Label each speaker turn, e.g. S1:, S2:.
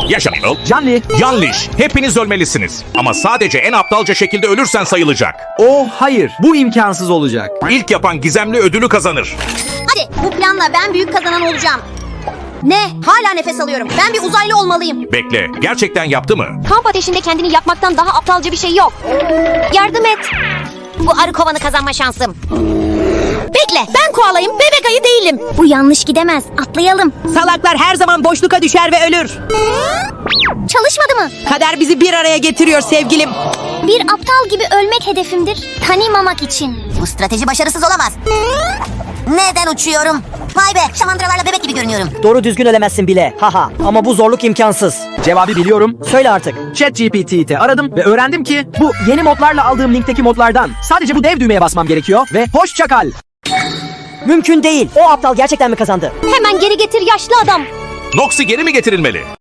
S1: Yaşamıyor.
S2: Canlı.
S1: Yanlış. Hepiniz ölmelisiniz. Ama sadece en aptalca şekilde ölürsen sayılacak.
S2: Oh hayır. Bu imkansız olacak.
S1: İlk yapan gizemli ödülü kazanır.
S3: Hadi bu planla ben büyük kazanan olacağım. Ne? Hala nefes alıyorum. Ben bir uzaylı olmalıyım.
S1: Bekle. Gerçekten yaptı mı?
S3: Kamp ateşinde kendini yakmaktan daha aptalca bir şey yok. Yardım et. Bu arı kovanı kazanma şansım. Bekle, ben koalayım, bebek ayı değilim. Bu yanlış gidemez. Atlayalım.
S4: Salaklar her zaman boşluğa düşer ve ölür.
S3: Çalışmadı mı?
S4: Kader bizi bir araya getiriyor sevgilim.
S3: Bir aptal gibi ölmek hedefimdir. Tanımamak için.
S5: Bu strateji başarısız olamaz. Neden uçuyorum? Vay be, şamandıralarla bebek gibi görünüyorum.
S6: Doğru düzgün ölemezsin bile. Haha. Ama bu zorluk imkansız.
S2: Cevabı biliyorum.
S6: Söyle artık.
S2: ChatGPT'yi aradım ve öğrendim ki bu yeni modlarla aldığım linkteki modlardan sadece bu dev düğmeye basmam gerekiyor ve hoşça kal.
S6: Mümkün değil. O aptal gerçekten mi kazandı?
S3: Hemen geri getir yaşlı adam.
S1: Noxy geri mi getirilmeli?